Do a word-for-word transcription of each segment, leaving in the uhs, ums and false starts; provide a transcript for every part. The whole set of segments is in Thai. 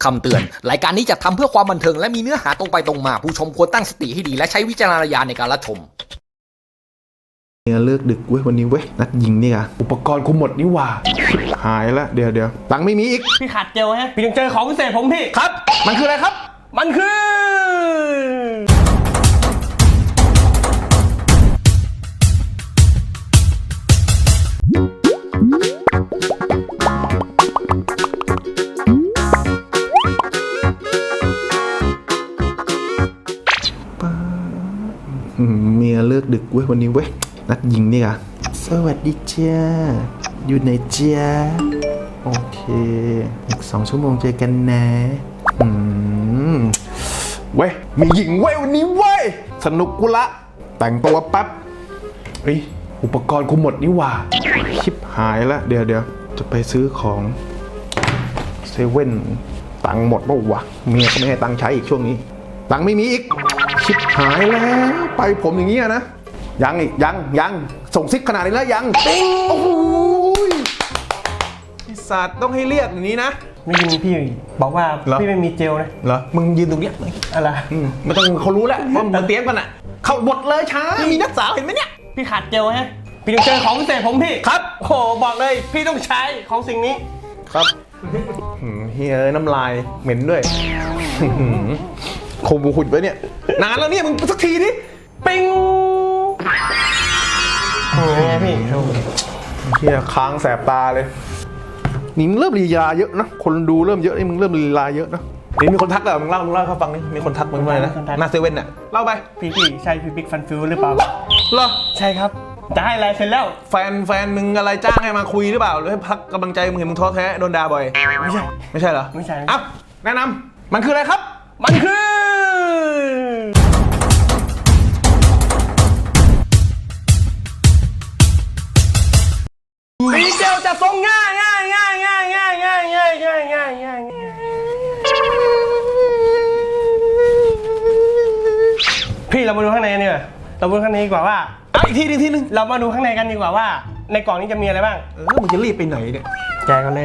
คำเตือนรายการนี้จะทำเพื่อความบันเทิงและมีเนื้อหาตรงไปตรงมาผู้ชมควรตั้งสติให้ดีและใช้วิจารณญาณในการรับชมเนี่ยเลิกดึกเว้ยวันนี้เว้ยนัดยิงนี่อะอุปกรณ์กูหมดนี่หว่าหายละเดี๋ยวเดี๋ยวตังค์ไม่มีอีกพี่ขาดเจลฮะพี่ต้องเจอของพิเศษผมพี่ครับมันคืออะไรครับมันคือเมียเลิกดึกเว้ยวันนี้เว้ยนัดยิงนี่อะสวัสดีจ้าอยู่ไหนจ้าโอเคอีกสองชั่วโมงเจอกันนะอืมเว้ยมีหญิงเว้ยวันนี้เว้ยสนุกกูละแต่งตัวแป๊บเฮ้ยอุปกรณ์กูหมดนี่หว่าชิบหายละเดี๋ยวเดี๋ยวจะไปซื้อของเซเว่นตังค์หมดป่าววะเมียก็ไม่ให้ตังค์ใช้อีกช่วงนี้ตังค์ไม่มีอีกชิบหายแล้วไปผมอย่างนี้นะยังอีกยังยังส่งซิกขนาดนี้แล้วยังติ๊งโอ้โหไอ้สัตว์ต้องให้เรียกอย่างนี้นะไม่ยินพี่บอกว่าพี่ไม่มีเจลนะเหรอมึงยืนตรงเนี้ยอะไรไม่ต้องเขารู้แล้วว่ามึงเตรียมกันอ่ะเข้าบทเลยช้ามีนักสาวเห็นไหมเนี่ยพี่ขาดเจลฮะพี่ต้องเจอของพิเศษผมพี่ครับโอ้บอกเลยพี่ต้องใช้ของสิ่งนี้ครับเฮ้ยน้ำลายเหม็นด้วยโคบูขุดไว้เนี่ยนานแล้วเนี่ยมึงสักทีดิปิ้งโอ้ยพี่เฮียค้างแสบตาเลยนี่มึงเริ่มลีลาเยอะนะคนดูเริ่มเยอะนี่มึงเริ่มลีลาเยอะนะนี่มีคนทักเหรอมึงเล่ามึงเล่าเขาฟังนี่มีคนทักมึงมานะหน้าเซเว่นน่ะเล่าไปพี่พี่ใช่พี่บิ๊กฟันฟิวหรือเปล่าเหรอใช่ครับจะให้อะไรเสร็จแล้วแฟนแฟนมึงอะไรจ้างให้มาคุยหรือเปล่าหรือให้พักกำลังใจมึงเห็นมึงท้อแท้โดนด่าบ่อยไม่ใช่ไม่ใช่เหรอไม่ใช่อ้าวแนะนำมันคืออะไรครับมันคือมีเจลจะทรงง่ายง่ายง่ายง่ายง่ายง่ายง่ายง่ายง่ายง่ายพี่เรามาดูข้างในกันดีกว่าเรามาดูข้างในดีกว่าว่าอีกทีนึงทีนึงเรามาดูข้างในกันดีกว่าว่าในกล่องนี้จะมีอะไรบ้างเออมึงจะรีบไปไหนเนี่ยแจกกันเลย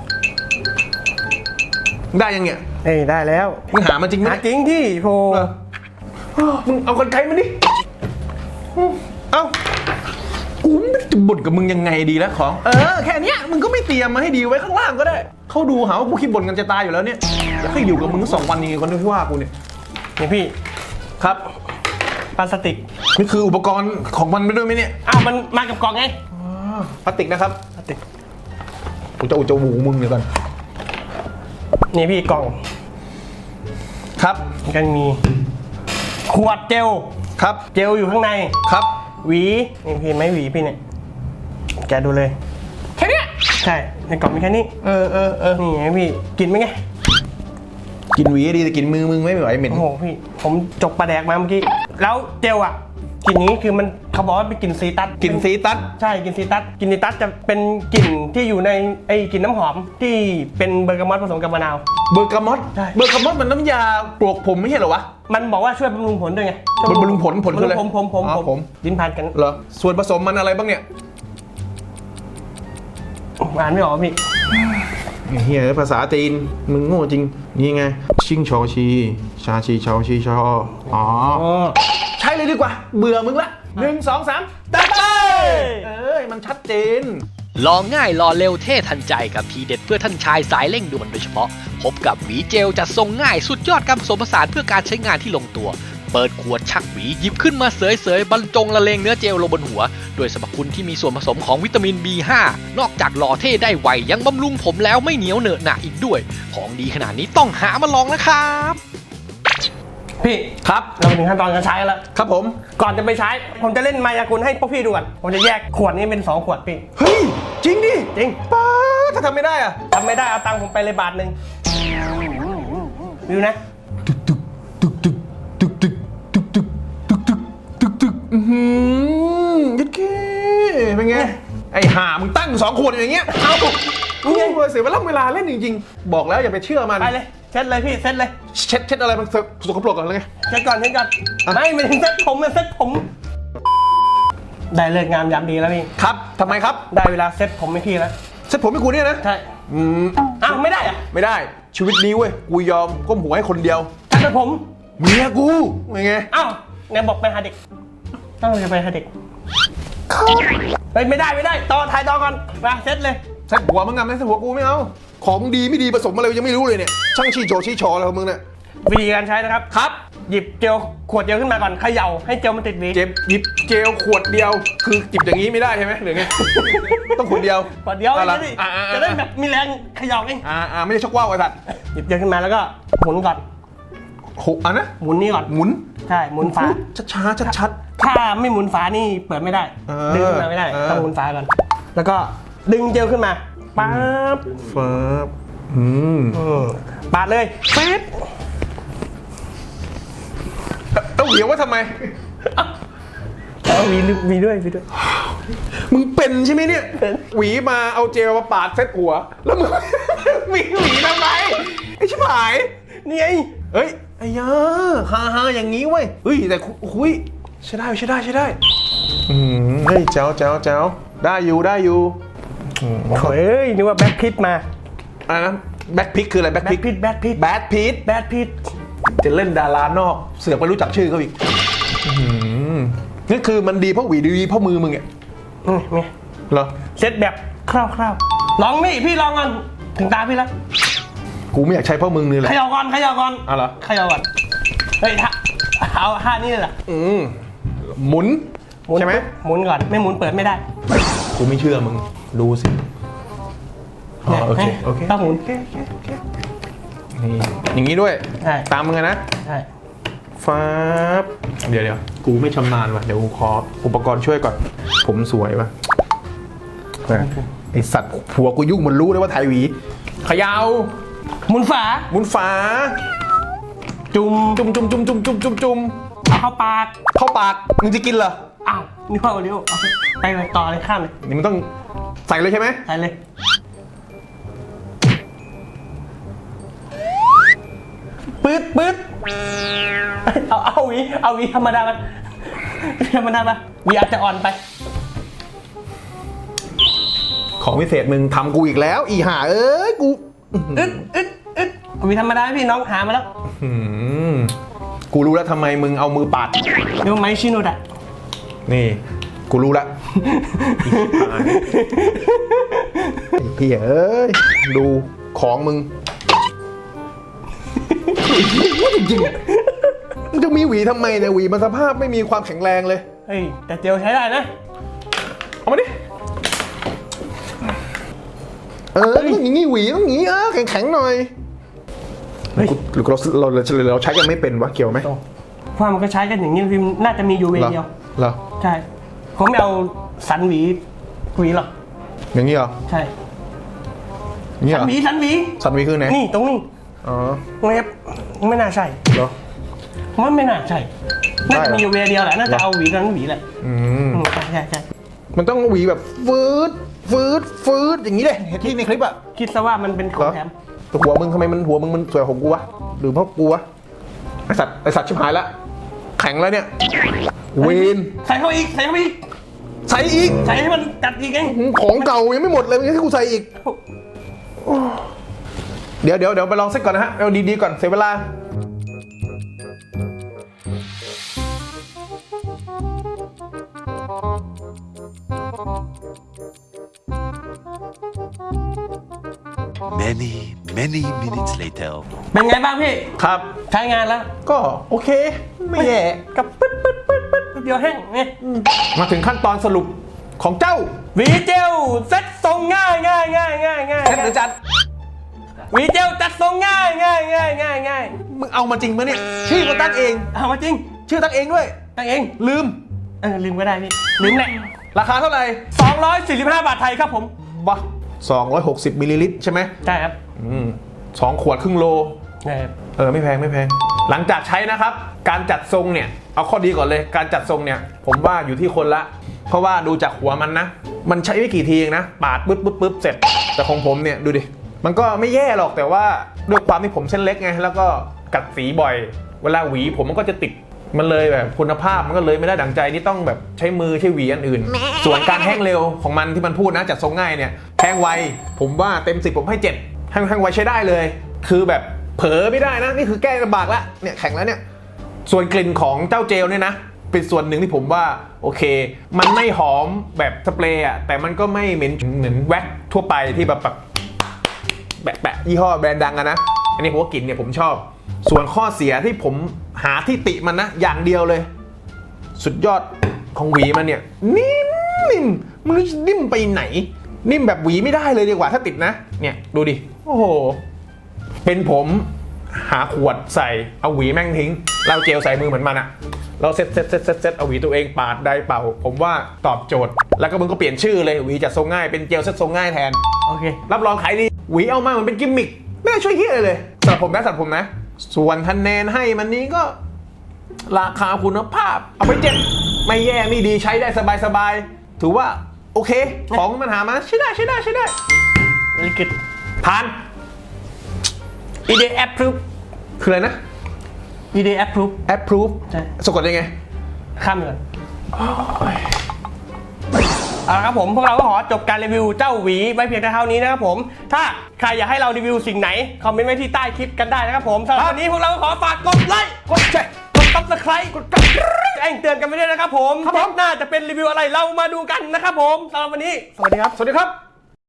ได้ยังเนี่ยเอ้ยได้แล้วมึงหามันจริงไหมหาจริงที่โพมึงเอากรรไกรมาดิเอ้ากูไม่จะบ่นกับมึงยังไงดีแล้วของเออแค่นี้มึงก็ไม่เตรียมมาให้ดีไว้ข้างล่างก็ได้เขาดูหาว่ากูคิดบ่นกันจะตายอยู่แล้วเนี่ยอยากให้อยู่กับมึงสองวันยังไงคนที่ว่ากูเนี่ยนี่พี่ครับพลาสติกนี่คืออุปกรณ์ของมันไปด้วยไหมเนี่ยอ้าวมันมากับกล่องไงพลาสติกนะครับพลาสติกกูจะอุจจาระมึงเดี๋ยวก่อนนี่พี่กล่องครับกันมีขวดเจลครับเจลอยู่ข้างในครับหวีนี่พี่ไม่หวีพี่เนี่ยแกดูเลยแค่นี้ใช่ในกล่องมีแค่นี้เออเออเออนี่ไงพี่กินไหมไงกินหวีดีแต่กินมือมึงไม่ไหวเหม็นโอ้โหพี่ผมจกปลาแดกมาเมื่อกี้แล้วเจลอ่ะกลิ่นนี้คือมันเขาบอกว่าเป็นกลิ่นซีตัสกลิ่นซีตัสใช่กลิ่นซีตัสกลิ่นซีตัสจะเป็นกลิ่นที่อยู่ในไอ้กลิ่นน้ำหอมที่เป็นเบอร์กามอตผสมกับมะนาวเบอร์กามอตใช่เบอร์กามอตมันน้ำยาปลวกผมไม่ใช่เหรอวะมันบอกว่าช่วยบำรุงผลด้วยไงบำรุงผลผลคืออะไรผมผมผมผมลิ้นพันกันเหรอส่วนผสมมันอะไรบ้างเนี่ยอ่านไม่ออกพี่เฮียภาษาจีนมึงโง่จริงนี่ไงชิงชอชีชาชีชอชีชออ๋อใช่เลยดีกว่าเบื่อมึงละหนึ่งสองสามตัดไปเอ้ยมันชัดเจนลองง่ายรอเร็วเท่ทันใจกับทีเด็ดเพื่อท่านชายสายเร่งด่วนโดยเฉพาะพบกับหวีเจลจัดทรงง่ายสุดยอดการผสมผสานเพื่อการใช้งานที่ลงตัวเปิดขวดชักหวีหยิบขึ้นมาเสยๆบรรจงละเลงเนื้อเจลลงบนหัวโดยสรรพคุณที่มีส่วนผสมของวิตามิน บี ห้า นอกจากหล่อเท่ได้ไวยังบำรุงผมแล้วไม่เหนียวเหนอะหนะอีกด้วยของดีขนาดนี้ต้องหามาลองนะครับพี่ครับเราถึงขั้นตอนการใช้แล้วครับผมก่อนจะไปใช้ผมจะเล่นมายากลให้พวกพี่ดูก่อนผมจะแยกขวดนี้เป็นสองขวดพี่เฮ้ยจริงดิจริงป้าถ้าทำไม่ได้อะทำไม่ได้เอาตังค์ผมไปเลยบาทหนึ่งดูนะตึกตึกตึกตึกตึกตึกตึกตึกตึกตึกตึกตึกอือหือยัดแค่เป็นไงไอ้ห่ามึงตั้งสองขวดอย่างเงี้ยเอากูเสียเวลาเวลาเล่นจริงๆบอกแล้วอย่าไปเชื่อมันไปเลยเช็ดเลยพี่เช็ดเลยเช็ดเช็ดอะไรมันสกปรกก่อนเลยไงเช็ดก่อนเช็ดก่อนไม่ไม่ถึงเช็ดผมเช็ดผมได้เลิกงามยามดีแล้วพี่ครับทำไมครับได้เวลาเซ็ตผมให้พี่แล้วเซ็ตผมให้กูเนี่ยนะใช่อืมอ้าวไม่ได้อะไม่ได้ชีวิตนี้เว้ยกูยอมก้มหัวให้คนเดียวช่างตัดผมเมียกูไงอ้าวเนี่ยบอกไปหาเด็กต้องจะไปหาเด็กเฮ้ยไม่ได้ไม่ได้ต่อถ่ายต่อก่อนมาเซตเลยใส่หัวมึงงามไหมใส่หัวกูไม่เอาของดีไม่ดีผสมอะไรยังไม่รู้เลยเนี่ยช่างชี้โจชี้ชออะไรของมึงเนี่ยวิธีการใช้นะครับครับ หยิบเจลขวดเจลขึ้นมาก่อนเขย่าให้เจลมันติดหวีเจ็บหยิบเจลขวดเดียวคือจิบอย่างนี้ไม่ได้ใช่ไหมหรือไง ต้องขวดเดียวขวดเดียวอาจะละได้อ่าอ่าจะได้แบบมีแรงเขย่าเองอ่าอ่าไม่ได้ชกว่าวไอ้สัตว์หยิบเจลขึ้นมาแล้วก็หมุนก่อนโหอ่ะนะหมุนนี่ก่อนหมุนใช่หมุนฝาช้าช้าชัดชัดถ้าไม่หมุนฝานี่เปิดไม่ได้เออดึงขึ้นมาไม่ได้เออต้องหมุนฝาก่อนแล้วก็ดึงเจลขึ้นมาปั๊บๆฟ้าบอืมอืมปาดเลยเป๊บต้องเหี่ยวว่าทำไมเอามีมีด้วยมีด้วยมึงเป็นใช่ไหมเนี่ยเป็นหวีมาเอาเจลมาปาดเซ็ตหัว แล้วมึง มีหวีทำไมไอ้ชิบหายนี่ไงเฮ้ยไอ้ยาฮ่าฮ่าอย่างงี้เว้ยเฮ้ยแต่คุยใช่ได้ใช่ได้ใช่ได้อืมเฮ้ยเจ้าเจ้าเจ้าได้อยู่ได้อยู่อืมโอ้ยนึกว่าแบ็คพิทมาอะไรนะแบ็คพิกคืออะไรแบ็คแบ็พิคกพิทแบ็คพิทแบดพิทแบ็คพิทจะเล่นดารานอกเสือกไม่รู้จักชื่อเขาอีกอื้อหือนี่คือมันดีเพราะหวีดีเพราะมือมึงไงอืมนี่เหรอเซตแบบคร่าวๆลองนี่พี่ลองก่อนถึงตาพี่แล้วกูไม่อยากใช้เพราะมึงนี่แหเขละย่าก่อนเขย่าก่อนเอาเหรอเขย่าก่อนเฮ้ยท่าเอาท่านี่เลยเหรออืมหมุนหมุนใช่ไหมหมุนก่อนไม่หมุนเปิดไม่ได้กูไม่เชื่อมึงดูสิอ๋อโอเคโอเคต้องหมุนนี่อย่างนี้ด้วยใช่ตามมึงอะนะใช่ฟ้าบเดี๋ยวเดี๋ยวกูไม่ชำนาญว่ะเดี๋ยวกูขออุปกรณ์ช่วยก่อน ผมสวยว่ะแหม่ไอสัตว์ผัวกูยุ่งมันรู้เลยว่าถ่ายหวีเขยาวหมุนฝาหมุนฝาจุ่มจุ่มจุ่มจุ่มจุ่มจุ่มจุ่มจุ่มเอาเข้าปากเข้าปากมึงจะกินเหรออ้าวนี่พ่อเร็วเอาไปไปต่อเลยข้ามเลยนี่มันต้องใส่เลยใช่ไหมใส่เลยปื๊ดปื๊ดเอาเอาหวีเอาหวีธรรมดามันธรรมดาปะหวีอาจจะอ่อนไปของพิเศษมึงทำกูอีกแล้ว อีห่าเอ้ยกูอึดอึดอึดเอาหวีธรรมดาให้พี่น้องหามาแล้วอืมกูรู้แล้วทำไมมึงเอามือปาดเรียกว่าไม้ชิโนดะนี่ กูรู้ละไอ้พี่เอ้ยดูของมึงจริงๆมึงจะมีหวีทำไมเนี่ยหวีมันสภาพไม่มีความแข็งแรงเลยเฮ้ยแต่เจลใช้ได้นะเอามาดิเออต้องอย่างงี้หวีต้องอย่างงี้เออแข็งๆหน่อยเฮ้ยหรือเราเราเราเราใช้กันไม่เป็นวะเกี่ยวไหมเพราะมันก็ใช้กันอย่างนี้พิมพ์น่าจะมีอยู่เวเหรอเดียวเหรอใช่ผมไม่เอาสันหวีหวีหรอกอย่างงี้เหรอใช่อย่างงี้เหสัรนอหวีสันหวีสันหวีคือไหนนี่ตรงนี้อ๋อเว็บไม่น่าใช่เหรอผมว่าไม่น่าใช่ น่าจะมีอยู่เวเดียวแหละน่าจะเอาหวีนั้นหวีแหละอืมอืมใช่ใช่ใช่มันต้องหวีแบบฟืดฟืดฟืดอย่างนี้เลยเห็นที่ในคลิปอะคิดซะว่ามันเป็นขอเหรง อแถมแต่หัวมึงทำไมมันหัวมึงมันสวยกว่าของกูวะหรือเพราะกูวะไอสัตว์ไอสัตว์ชิบหายละแข็งแล้วเนี่ยเวนใส่เข้าไปอีกใส่เข้าไปอีกใส่อีกใส่ให้มันกัดอีกไงของเก่ายังไม่หมดเลยมึงให้กูใส่อีกโอ้เดี๋ยวเดี๋ยวเดี๋ยวไปลองเซ็ตก่อนนะฮะเอาดีๆก่อนเสียเวลา Many, many minutes later. เป็นไงบ้างพี่ครับใช้งานแล้วก็โอเคไม่แย่กับปึ๊ดปึ๊ดปึ๊ดปึ๊ดเดียวแห้งเนี่ยมาถึงขั้นตอนสรุปของเจ้าหวีเจลเซ็ตทรงง่ายง่ายง่ายง่ายง่ายเซ็ตหรือจัดหวีเจลจัดทรงง่ายง่ายง่ายง่ายง่ายมึงเอามาจริงปะเนี่ยชื่อกูตั้งเองเอามาจริงชื่อตั้งเองด้วยตั้งเองลืมเออลืมก็ได้พี่ลืมแหละราคาเท่าไหร่สองร้อยสี่สิบห้าบาทไทยครับผมบ้าสองร้อยหกสิบมิลลิลิตรใช่ไหมใช่ครับอืมสองขวดครึ่งโลใช่ครับเออไม่แพงไม่แพง หลังจากใช้นะครับ การจัดทรงเนี่ยเอาข้อดีก่อนเลย การจัดทรงเนี่ยผมว่าอยู่ที่คนละ เพราะว่าดูจากหัวมันนะ มันใช้ไม่กี่ทีเองนะปาดปึ๊บปึ๊บปึ๊บเสร็จ แต่ของผมเนี่ยดูดิมันก็ไม่แย่หรอกแต่ว่าด้วยความที่ผมเส้นเล็กไงแล้วก็กัดสีบ่อย เวลาหวีผมมันก็จะติดมันเลยแบบคุณภาพมันก็เลยไม่ได้ดั่งใจนี่ต้องแบบใช้มือใช้หวีอันอื่น ส่วนการแห้งเร็วของมันที่มันพูดนะจัดทรงง่ายเนี่ยแห้งไวผมว่าเต็มสิบผมให้เจ็ดแห้งแห้งไวใช้ได้เลยคือแบบเผลอไม่ได้นะนี่คือแก้ลำบากแล้วเนี่ยแข็งแล้วเนี่ยส่วนกลิ่นของเจ้าเจลเนี่ยนะเป็นส่วนหนึ่งที่ผมว่าโอเคมันไม่หอมแบบสเปรย์อะแต่มันก็ไม่เหม็นเหมือนแว็กทั่วไปที่แบบแบบแปะๆยี่ห้อแบรนด์ดังอะนะอันนี้ผมว่ากลิ่นเนี่ยผมชอบส่วนข้อเสียที่ผมหาที่ติมันนะอย่างเดียวเลยสุดยอดของหวีมันเนี่ยนิ่มนิ่มมันนิ่มไปไหนนิ่มแบบหวีไม่ได้เลยดีกว่าถ้าติดนะเนี่ยดูดิโอ้โหเป็นผมหาขวดใส่เอาหวีแม่งทิ้งเราเจลใส่มือเหมือนมันอะเราเซ็ตเซ็ตเซ็ตเซ็ตเซ็ตเอาหวีตัวเองปาดได้เป่าผมว่าตอบโจทย์แล้วก็มึงก็เปลี่ยนชื่อเลยหวีจัดทรงง่ายเป็นเจลเซ็ตทรงง่ายแทนโอเครับรองขายดีหวีเอามามันเป็นกิมมิคไม่ได้ช่วยเฮียอะไรเลยสำหรับผมนะสำหรับผมนะส่วนคะแนนให้มันนี้ก็ราคาคุณภาพเอาไปเจ็ดไม่แย่ไม่ดีใช้ได้สบายๆถือว่าโอเคของมันหามาใช้ได้ใช้ได้ใช้ได้ very good ผ่านอี ดี approve คืออะไรนะอี ดี approve approve ใช่สะกดยังไงข้ามไปก่อนเอาละครับผมพวกเราก็ขอจบการรีวิวเจ้าหวีไว้เพียงเท่านี้นะครับผมถ้าใครอยากให้เรารีวิวสิ่งไหนคอมเมนต์ไว้ที่ใต้คลิปกันได้นะครับผมสำหรับวันนี้พวกเราก็ขอฝากกดไลค์กดแชร์กด subscribe กดกระดิ่งแจ้งเตือนกันไปด้วยนะครับผมครับผมน่าจะเป็นรีวิวอะไรเรามาดูกันนะครับผมสำหรับวันนี้สวัสดีครับสวัสดีครับ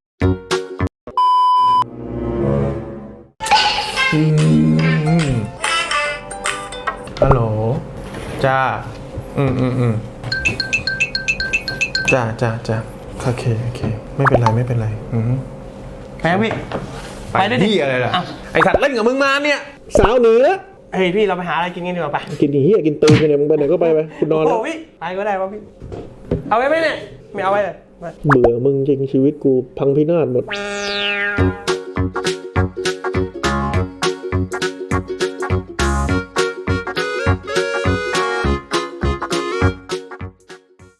ฮัลโหลจ้าอืมอืมอืมจ้าจ้าจ้าโอเคโอเคไม่เป็นไรไม่เป็นไรอืมไปครับพี่ไปไปด้วยดิที่อะไรล่ะอ้าวไอสัตว์เล่นกับมึงมาเนี่ยสาวเหนือเฮ้ยพี่เราไปหาอะไรกินกันดีกว่าไปกินเหี้ยกินตีนกันเนี่ยมึงไปไหนก็ไปไปคุณนอนแล้วโอ้พี่ไปก็ได้วะพี่เอาไว้ไหมเนี่ยไม่เอาไว้เลยเบื่อมึงจริงชีวิตกูพังพินาศหมด